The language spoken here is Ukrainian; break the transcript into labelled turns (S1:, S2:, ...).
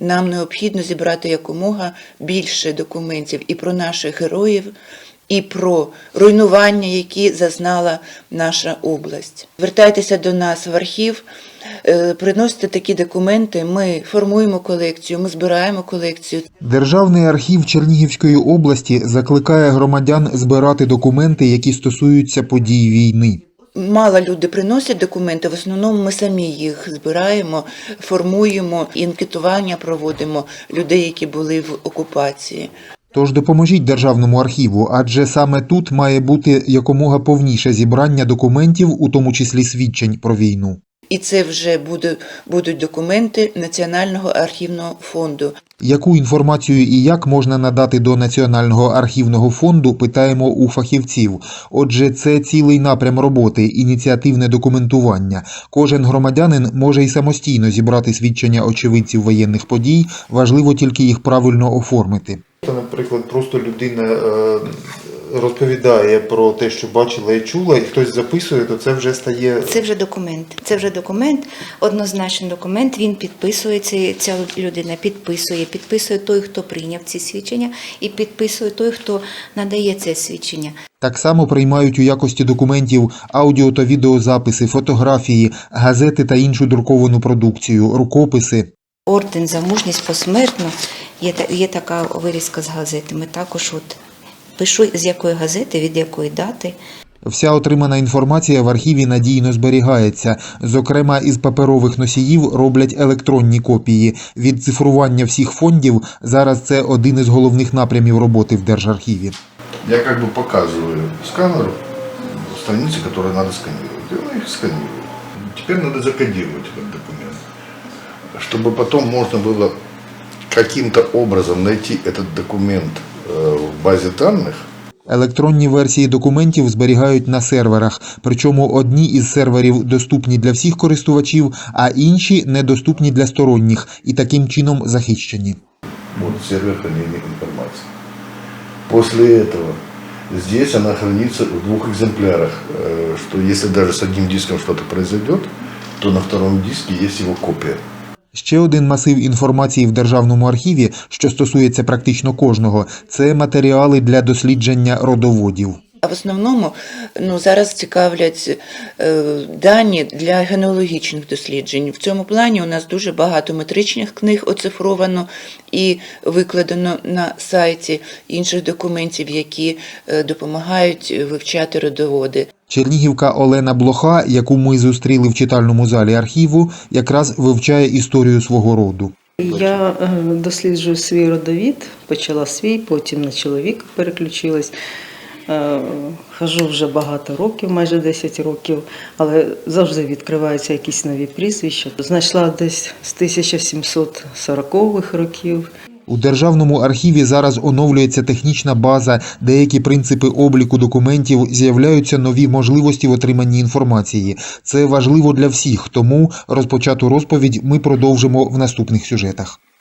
S1: нам необхідно зібрати якомога більше документів і про наших героїв, і про руйнування, які зазнала наша область. Звертайтеся до нас в архів, приносите такі документи, ми формуємо колекцію, ми збираємо колекцію.
S2: Державний архів Чернігівської області закликає громадян збирати документи, які стосуються подій війни.
S1: Мало люди приносять документи, в основному ми самі їх збираємо, формуємо, анкетування проводимо людей, які були в окупації.
S2: Тож допоможіть Державному архіву, адже саме тут має бути якомога повніше зібрання документів, у тому числі свідчень про війну.
S1: І це вже будуть документи Національного архівного фонду.
S2: Яку інформацію і як можна надати до Національного архівного фонду, питаємо у фахівців. Отже, це цілий напрям роботи – ініціативне документування. Кожен громадянин може й самостійно зібрати свідчення очевидців воєнних подій, важливо тільки їх правильно оформити.
S3: Наприклад, просто людина розповідає про те, що бачила і чула, і хтось записує, то це вже стає...
S4: Це вже документ. Це вже документ, однозначно документ, він підписується, ця людина підписує той, хто прийняв ці свідчення, і підписує той, хто надає це свідчення.
S2: Так само приймають у якості документів аудіо та відеозаписи, фотографії, газети та іншу друковану продукцію, рукописи.
S4: Орден за мужність посмертно, є така вирізка з газети. Ми також пишу, з якої газети, від якої дати.
S2: Вся отримана інформація в архіві надійно зберігається. Зокрема, із паперових носіїв роблять електронні копії. Відцифрування всіх фондів – зараз це один із головних напрямів роботи в Держархіві.
S5: Я показываю сканеру страницы, которые надо сканировать. И он их сканирует. Теперь надо закодировать этот документ, чтобы потом можно было каким-то образом найти этот документ в базе данных.
S2: Електронні версії документів зберігають на серверах, причому одні із серверів доступні для всіх користувачів, а інші недоступні для сторонніх і таким чином захищені.
S5: Вот сервер хранения информации. После этого здесь она хранится в двух экземплярах, что если даже с одним диском что-то произойдет, то на втором диске есть его копия.
S2: Ще один масив інформації в Державному архіві, що стосується практично кожного – це матеріали для дослідження родоводів.
S1: А в основному зараз цікавлять дані для генеалогічних досліджень. В цьому плані у нас дуже багато метричних книг оцифровано і викладено на сайті, інших документів, які допомагають вивчати родоводи.
S2: Чернігівка Олена Блоха, яку ми зустріли в читальному залі архіву, якраз вивчає історію свого роду.
S6: Я досліджую свій родовід, почала свій, потім на чоловіка переключилась. Хожу вже багато років, майже 10 років, але завжди відкриваються якісь нові прізвища. Знайшла десь з 1740-х років.
S2: У Державному архіві зараз оновлюється технічна база, деякі принципи обліку документів, з'являються нові можливості в отриманні інформації. Це важливо для всіх, тому розпочату розповідь ми продовжимо в наступних сюжетах.